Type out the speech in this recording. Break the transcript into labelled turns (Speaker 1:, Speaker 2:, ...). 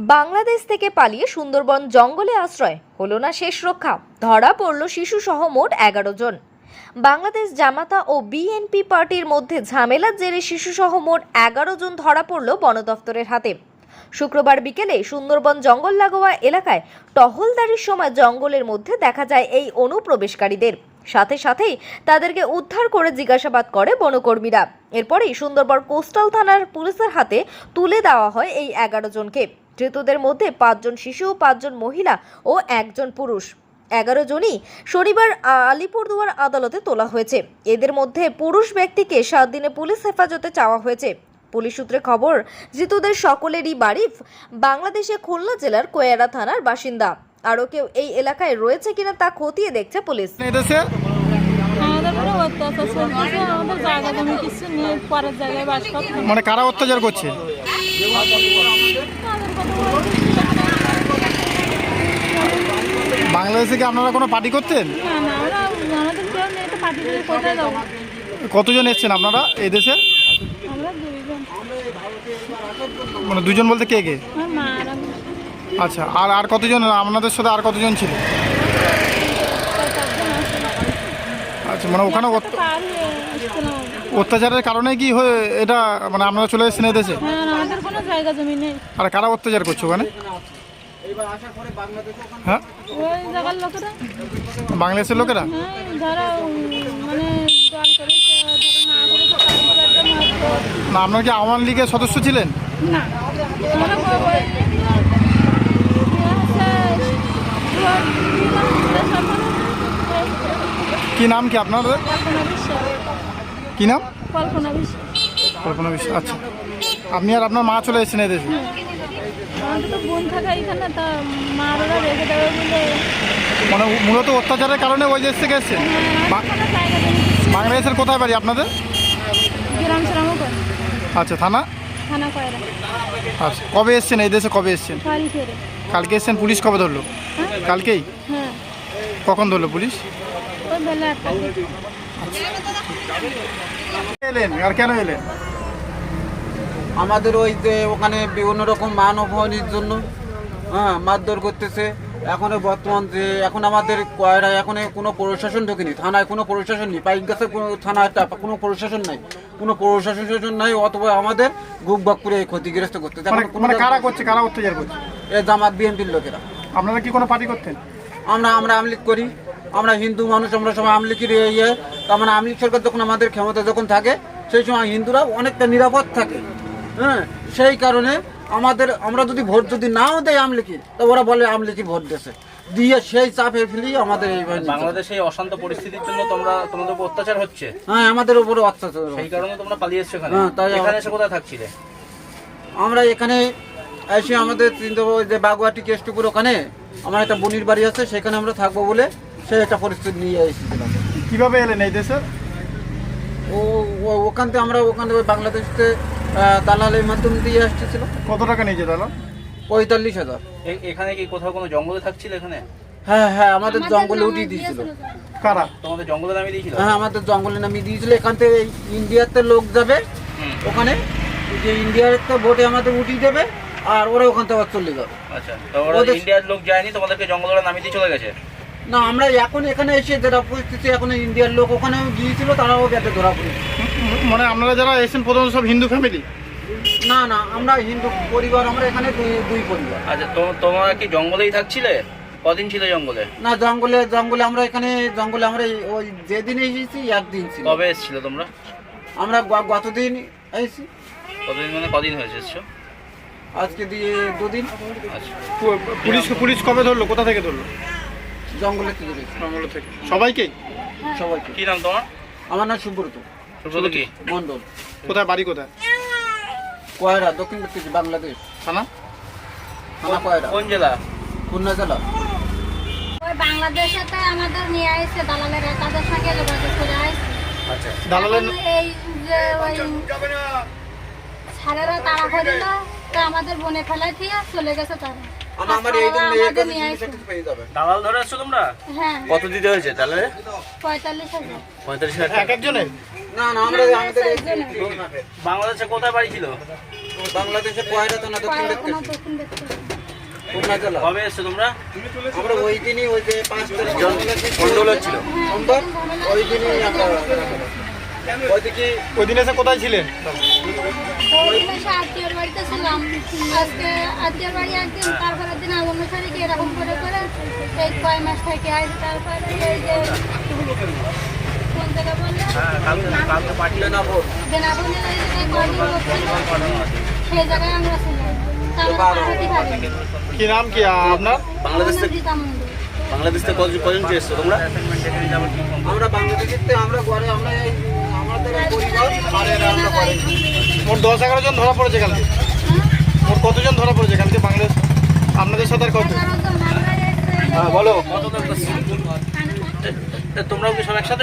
Speaker 1: বাংলাদেশ থেকে পালিয়ে সুন্দরবন জঙ্গলে আশ্রয় হলো না শেষ রক্ষা। ধরা পড়ল শিশুসহ মোট 11 জন। বাংলাদেশ জামাতা ও বিএনপি পার্টির মধ্যে ঝামেলার জেরে শিশুসহ মোট 11 জন ধরা পড়ল বন দফতরের হাতে। শুক্রবার বিকেলে সুন্দরবন জঙ্গল লাগোয়া এলাকায় টহলদারির সময় জঙ্গলের মধ্যে দেখা যায় এই অনুপ্রবেশকারীদের। সাথে সাথেই তাদেরকে উদ্ধার করে জিজ্ঞাসাবাদ করে বনকর্মীরা। এরপরেই সুন্দরবন কোস্টাল থানার পুলিশের হাতে তুলে দেওয়া হয় এই 11 জনকে। ধৃতদের মধ্যে 5 জন শিশু, 5 জন মহিলা ও 1 জন পুরুষ। 11 জনই শনিবার আলিপুরদুয়ার আদালতে তোলা হয়েছে। এদের মধ্যে পুরুষ ব্যক্তিকে 7 দিনে পুলিশ হেফাজতে চাওয়া হয়েছে। পুলিশ সূত্রে খবর, ধৃতদের সকলেরই বাড়ি বাংলাদেশে খুলনা জেলার কোয়েরা থানার বাসিন্দা। আরও কেউ এই এলাকায় রয়েছে কিনা তা খতিয়ে দেখছে পুলিশ।
Speaker 2: মানে কারা অত্যাচার করছে? বাংলাদেশে কি আপনারা কোনো পার্টি করতেন? কতজন এসছেন আপনারা এই দেশে? মানে দুজন বলতে কে কে? আচ্ছা, আর কতজন আপনাদের সাথে আর কতজন ছিল? আচ্ছা, মানে ওখানে অত্যাচারের কারণে কি হয়ে এটা মানে আপনারা চলে এসেছেন এই দেশে? আর কারা অত্যাচার করছে ওখানে? হ্যাঁ, বাংলাদেশের লোকেরা। না, আপনারা কি আওয়ামী লীগের সদস্য ছিলেন? কি নাম কি আপনাদের? কি নাম? কল্পনা বিশ্বাস। আচ্ছা, আপনি আর আপনার মা চলে এসেছেন এদেশে? মানে মূলত অত্যাচারের কারণে ওই দেশ থেকে এসেছেন? বাংলাদেশের কোথায় বাড়ি আপনাদের? আচ্ছা, থানা? আচ্ছা, কবে এসেছেন এই দেশে? কবে এসেছেন? কালকে এসেছেন। পুলিশ কবে ধরলো? কালকেই? কখন ধরলো পুলিশ? এলেন আর কেন এলেন?
Speaker 3: আমাদের ওই যে ওখানে বিভিন্ন রকম মান অপমানের জন্য মারধর করতেছে। এখন বর্তমান যে এখন আমাদের কয়রায় এখন কোনো প্রশাসন ঢোকেনি, থানায় কোনো প্রশাসন নেই, পাইক গাছে কোনো থানায় কোনো প্রশাসন নাই, কোনো প্রশাসন নাই, অথবা আমাদের গুকবাক করে ক্ষতিগ্রস্ত করতেছে।
Speaker 2: মানে কারা করছে, কারা অত্যাচার করছে?
Speaker 3: এ জামাত বিএনপির লোকেরা।
Speaker 2: আপনারা কি কোনো পার্টি করতেন?
Speaker 3: আমরা আমলিগ করি, আমরা হিন্দু মানুষ, আমরা সবাই আমলিগের ইয়ে। তার মানে আমলিগ সরকার যখন আমাদের ক্ষমতা যখন থাকে সেই সময় হিন্দুরা অনেকটা নিরাপদ থাকে। সেই কারণে আমরা যদি ভোট যদি নাও দেয় আমলিগের, তো ওরা বলে আমলিগের ভোট দিয়েছে, দিয়ে সেই চাপে ফেলি আমাদের এই
Speaker 4: বাংলাদেশে এই অশান্ত পরিস্থিতির জন্য তোমাদের উপর অত্যাচার হচ্ছে।
Speaker 3: হ্যাঁ, আমাদের উপরে অত্যাচার, সেই
Speaker 4: কারণে তোমরা পালিয়ে এসছো এখানে।
Speaker 3: তাই
Speaker 4: এখানে এসে কোথায় থাকছিলে?
Speaker 3: আমরা এখানে এসে আমাদের যে বাগুয়াটি কেষ্টপুর ওখানে আমার একটা বোনির বাড়ি আছে, সেখানে আমরা থাকবো বলে সেই একটা পরিস্থিতি নিয়ে এসেছিলাম।
Speaker 2: কিভাবে এলেন এই দেশে?
Speaker 3: ওখান থেকে বাংলাদেশে দালালের মাধ্যমে দিয়ে আসতেছিল।
Speaker 2: কত টাকা নিয়েছে দালাল?
Speaker 3: 45,000।
Speaker 4: এখানে কি কোথাও কোনো জঙ্গলে থাকছিল এখানে?
Speaker 3: হ্যাঁ, আমাদের জঙ্গলে উঠিয়ে দিয়েছিল।
Speaker 2: কারা?
Speaker 4: তোমাদের জঙ্গলে নামিয়ে দিয়েছিল?
Speaker 3: হ্যাঁ, আমাদের জঙ্গলে নামিয়ে দিয়েছিল। এখান থেকে ইন্ডিয়াতে লোক যাবে, ওখানে যে ইন্ডিয়ার একটা বোটে আমাদের উঠিয়ে দেবে, আর ওরা ওখান থেকে চলে যাবে।
Speaker 4: আচ্ছা, তো ওরা ইন্ডিয়ার লোক যায়নি, তোমাদেরকে জঙ্গলে নামিয়ে দিয়ে চলে গেছে?
Speaker 3: না, আমরা এখন এখানে এসে যেটা পরিস্থিতি, এখন ইন্ডিয়ার লোক ওখানেও গিয়েছিল, তারাও গেছে ধরা পড়েছে।
Speaker 2: মানে আপনারা যারা এসেছেন প্রথমত সব হিন্দু ফ্যামিলি?
Speaker 3: না, আমরা হিন্দু পরিবার, আমরা এখানে দুই পরিবার।
Speaker 4: আচ্ছা, তোমরা কি জঙ্গলেই থাকছিলে? কদিন ছিল জঙ্গলে?
Speaker 3: না, জঙ্গলে আমরা এখানে আমরা ওই যেদিন এসেছি একদিন ছিল।
Speaker 4: কবে এসেছিল তোমরা?
Speaker 3: আমরা গতদিন এসেছি।
Speaker 4: কতদিন মানে কদিন হয়েছে এসছো?
Speaker 3: আজকে দিয়ে 2 দিন।
Speaker 4: আচ্ছা,
Speaker 2: পুলিশ কবে ধরলো? কোথা থেকে ধরলো?
Speaker 3: জঙ্গলে থেকে।
Speaker 2: সবাইকে?
Speaker 3: সবাইকে।
Speaker 4: কি নাম তোমার?
Speaker 3: আমার নাম সুব্রত
Speaker 4: কি
Speaker 3: মন্ডল।
Speaker 2: কোথায় বাড়ি? কোথায়?
Speaker 3: কোয়েরা, দক্ষিণ বাংলাদেশ।
Speaker 2: থানা
Speaker 3: কোয়েরা।
Speaker 4: কোন জেলা?
Speaker 3: খুলনা জেলা।
Speaker 5: ওই বাংলাদেশেতে আমাদের নিয়ে আসছে দালালের, তাদের সঙ্গে যোগাযোগ করে আসছে।
Speaker 4: আচ্ছা,
Speaker 2: দালালের
Speaker 5: এই যে ওই ছাড়েরা তাড়া করিল, তো আমাদের বনে ফেলাই দিয়ে চলে গেছে তারা।
Speaker 4: দালাল ধরে আসছো তোমরা?
Speaker 5: হ্যাঁ।
Speaker 4: কত দিতে হয়েছে তাহলে?
Speaker 5: 45,000।
Speaker 4: 45,000
Speaker 2: এক একজনের?
Speaker 3: না, আমাদের
Speaker 4: বাংলাদেশে কোথায় বাড়ি ছিল?
Speaker 3: বাংলাদেশে কোয়েরা তো না, দক্ষিণ
Speaker 5: দক্ষিণ দেখতে
Speaker 3: খুলনা জেলা।
Speaker 4: কবে এসছো তোমরা?
Speaker 3: আমরা ওই দিনই ওই যে 5 তারিখ
Speaker 4: গন্ডগোল হচ্ছিল।
Speaker 3: সোমবার ওই দিনই আমরা ওইদিকে
Speaker 2: ওই দিন এসে কোথায় ছিলেন?
Speaker 5: ওই দিন এসে আত্মীয়র বাড়িতে ছিলাম। আজকে আত্মীয়র বাড়ি একদিন, তারপরের দিন অন্য তারিখে এরকম করে করে এই কয় মাস থেকে আসে। তারপরে এই যে কোন জায়গা বললে
Speaker 4: কালকে পাঠিয়ে
Speaker 3: বেনাপুর
Speaker 5: বেনাবনে এই কয়দিন সেই জায়গায় আমরা ছিলাম। তারপরে পাহাড়ি খাবে
Speaker 2: কি নাম কি আপনার?
Speaker 4: বাংলাদেশ থেকে
Speaker 5: গীতা মন্দির।
Speaker 4: বাংলাদেশ থেকে কজন এসছো তোমরা?
Speaker 3: আমরা বাংলাদেশিতে আমরা ঘরে আমরা আমাদের এই পরিবার আর এরা আমরা করে
Speaker 2: মোট 10-11 জন ধরা পড়েছে কালকে। মোট কতজন ধরা পড়েছে কালকে বাংলাদেশ? আপনাদের সাথে আর কত?
Speaker 5: আমরা
Speaker 2: হ্যাঁ বলো।
Speaker 4: তোমরাও কি সব একসাথে